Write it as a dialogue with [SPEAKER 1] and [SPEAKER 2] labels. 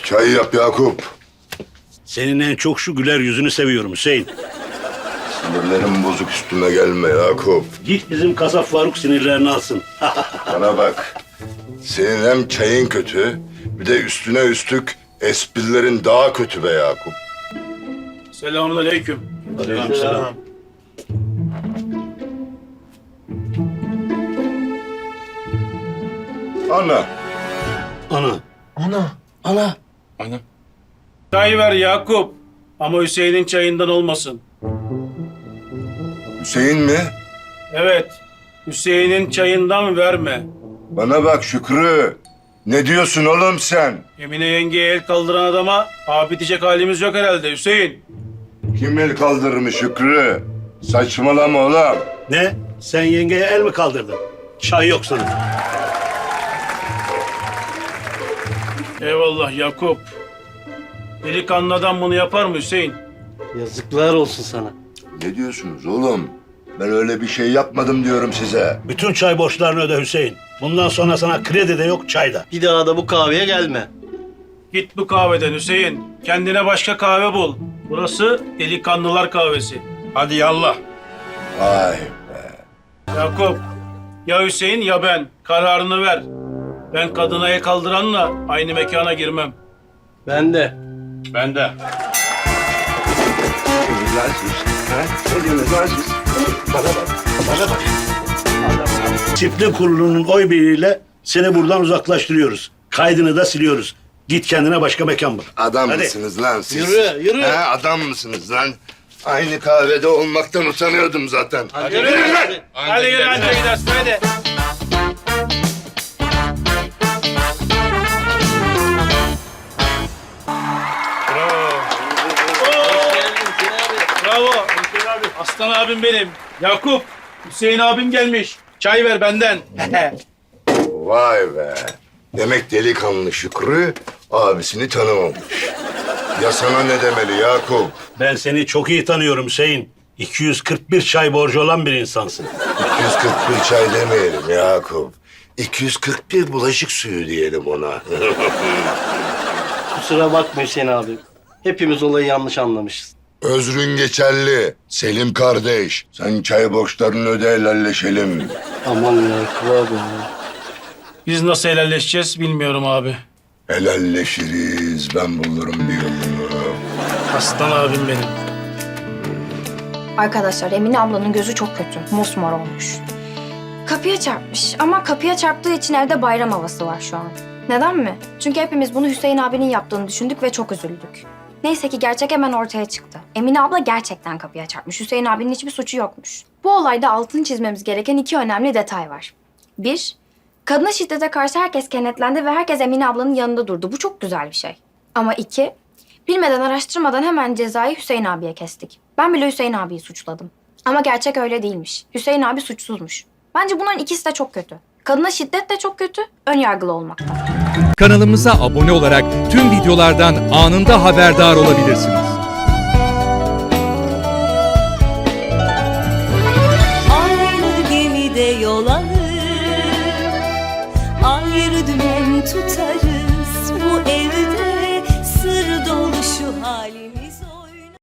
[SPEAKER 1] Çay yap Yakup.
[SPEAKER 2] Senin en çok şu güler yüzünü seviyorum Hüseyin.
[SPEAKER 1] Sinirlerim bozuk, üstüme gelme Yakup.
[SPEAKER 2] Git bizim kasap Faruk sinirlerini alsın.
[SPEAKER 1] Bana bak. Senin hem çayın kötü, bir de üstüne üstlük esprilerin daha kötü be Yakup.
[SPEAKER 3] Selamünaleyküm.
[SPEAKER 2] Aleykümselam.
[SPEAKER 1] Ana.
[SPEAKER 2] Ana.
[SPEAKER 3] Çay ver Yakup. Ama Hüseyin'in çayından olmasın.
[SPEAKER 1] Hüseyin mi?
[SPEAKER 3] Evet. Hüseyin'in çayından verme.
[SPEAKER 1] Bana bak Şükrü. Ne diyorsun oğlum sen?
[SPEAKER 3] Emine yengeye el kaldıran adama abi diyecek halimiz yok herhalde Hüseyin.
[SPEAKER 1] Kim el kaldırmış Şükrü? Saçmalama oğlum.
[SPEAKER 2] Ne? Sen yengeye el mi kaldırdın? Çay yok sana.
[SPEAKER 3] Eyvallah Yakup. Delikanlı adam bunu yapar mı Hüseyin?
[SPEAKER 4] Yazıklar olsun sana.
[SPEAKER 1] Ne diyorsunuz oğlum? Ben öyle bir şey yapmadım diyorum size.
[SPEAKER 2] Bütün çay borçlarını öde Hüseyin. Bundan sonra sana kredi de yok, çay da.
[SPEAKER 4] Bir daha da bu kahveye gelme.
[SPEAKER 3] Git bu kahveden Hüseyin. Kendine başka kahve bul. Burası delikanlılar kahvesi. Hadi yallah.
[SPEAKER 1] Vay be.
[SPEAKER 3] Yakup, ya Hüseyin ya ben. Kararını ver. Ben kadına el kaldıranla aynı mekana girmem.
[SPEAKER 4] Ben de.
[SPEAKER 3] Ben de.
[SPEAKER 2] Disiplin kurulunun oy birliğiyle seni buradan uzaklaştırıyoruz. Kaydını da siliyoruz. Git kendine başka mekan bul.
[SPEAKER 1] Adam
[SPEAKER 2] Hadi.
[SPEAKER 1] mısınız lan siz?
[SPEAKER 4] Yürü, yürü.
[SPEAKER 1] He, adam mısınız lan? Aynı kahvede olmaktan utanıyordum zaten.
[SPEAKER 3] Yürü lan. Hadi yürü anca gidersin hadi. Bravo. Aslan abim benim. Yakup, Hüseyin abim gelmiş. Çay ver benden.
[SPEAKER 1] Vay be. Demek delikanlı Şükrü abisini tanımamış. Ya sana ne demeli Yakup?
[SPEAKER 2] Ben seni çok iyi tanıyorum Hüseyin. 241 çay borcu olan bir insansın.
[SPEAKER 1] 241 çay demeyelim Yakup. 241 bulaşık suyu diyelim ona.
[SPEAKER 4] Kusura bakma Hüseyin abi. Hepimiz olayı yanlış anlamışız.
[SPEAKER 1] Özrün geçerli. Selim kardeş. Sen çay borçlarını öde, helalleşelim.
[SPEAKER 4] Aman Yakup abi.
[SPEAKER 3] Biz nasıl helalleşeceğiz bilmiyorum abi.
[SPEAKER 1] Helalleşiriz. Ben bulurum bir yolunu.
[SPEAKER 3] Aslan abim benim.
[SPEAKER 5] Arkadaşlar Emine ablanın gözü çok kötü. Mosmor olmuş. Kapıya çarpmış ama kapıya çarptığı için evde bayram havası var şu an. Neden mi? Çünkü hepimiz bunu Hüseyin abinin yaptığını düşündük ve çok üzüldük. Neyse ki gerçek hemen ortaya çıktı. Emine abla gerçekten kapıya çarpmış. Hüseyin abinin hiçbir suçu yokmuş. Bu olayda altını çizmemiz gereken iki önemli detay var. Bir, kadına şiddete karşı herkes kenetlendi ve herkes Emine ablanın yanında durdu. Bu çok güzel bir şey. Ama iki, bilmeden araştırmadan hemen cezayı Hüseyin abiye kestik. Ben bile Hüseyin abiyi suçladım. Ama gerçek öyle değilmiş. Hüseyin abi suçsuzmuş. Bence bunların ikisi de çok kötü. Kadına şiddet de çok kötü, önyargılı olmak da.
[SPEAKER 6] Kanalımıza abone olarak tüm videolardan anında haberdar olabilirsiniz.
[SPEAKER 7] Aynı gemide yol alır, ayrı dümen tutarız.